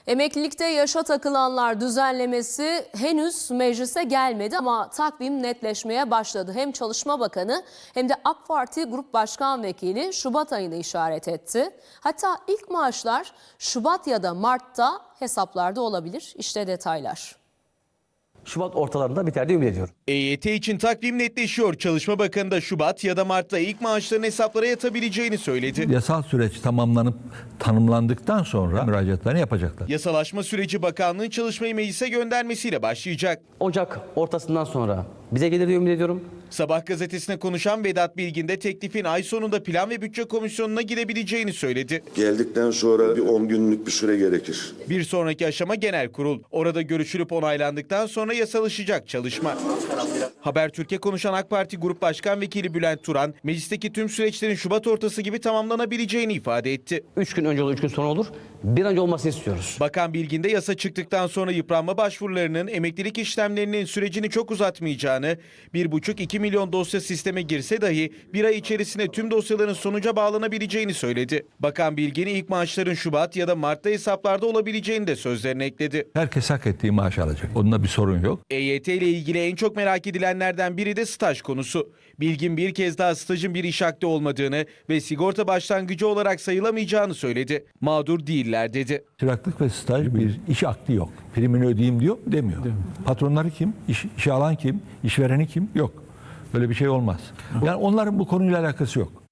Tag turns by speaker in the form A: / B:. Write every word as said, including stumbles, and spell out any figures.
A: Emeklilikte yaşa takılanlar düzenlemesi henüz meclise gelmedi ama takvim netleşmeye başladı. Hem Çalışma Bakanı hem de AK Parti Grup Başkan Vekili Şubat ayını işaret etti. Hatta ilk maaşlar Şubat ya da Mart'ta hesaplarda olabilir. İşte detaylar.
B: Şubat ortalarında biter diye ümit ediyorum.
C: E Y T için takvim netleşiyor. Çalışma Bakanı da Şubat ya da Mart'ta ilk maaşların hesaplara yatabileceğini söyledi.
D: Yasal süreç tamamlanıp tanımlandıktan sonra müracaatlarını yapacaklar.
C: Yasalaşma süreci bakanlığın çalışmayı meclise göndermesiyle başlayacak.
B: Ocak ortasından sonra bize gelir diye ümit ediyorum.
C: Sabah gazetesine konuşan Vedat Bilgin de teklifin ay sonunda Plan ve Bütçe Komisyonu'na gidebileceğini söyledi.
E: Geldikten sonra bir on günlük bir süre gerekir.
C: Bir sonraki aşama genel kurul. Orada görüşülüp onaylandıktan sonra yasalaşacak çalışma. Habertürk'e konuşan AK Parti Grup Başkan Vekili Bülent Turan, meclisteki tüm süreçlerin Şubat ortası gibi tamamlanabileceğini ifade etti.
B: Üç gün önce olur, üç gün sonra olur. Bir an önce olmasını istiyoruz.
C: Bakan Bilgin de yasa çıktıktan sonra yıpranma başvurularının, emeklilik işlemlerinin sürecini çok uzatmayacağını, bir buçuk iki milyon dosya sisteme girse dahi bir ay içerisinde tüm dosyaların sonuca bağlanabileceğini söyledi. Bakan Bilgin ilk maaşların Şubat ya da Mart'ta hesaplarda olabileceğini de sözlerine ekledi.
D: Herkes hak ettiği maaş alacak. Onunla bir sorun yok.
C: E Y T ile ilgili en çok merak edilenlerden biri de staj konusu. Bilgin bir kez daha stajın bir iş akdi olmadığını ve sigorta başlangıcı olarak sayılamayacağını söyledi. Mağdur değiller dedi.
D: Çıraklık ve staj bir iş akdi yok. Primini ödeyeyim diyor demiyor. Patronları kim? İş, işe alan kim? İşvereni kim? Yok. Böyle bir şey olmaz. Yani onların bu konuyla alakası yok.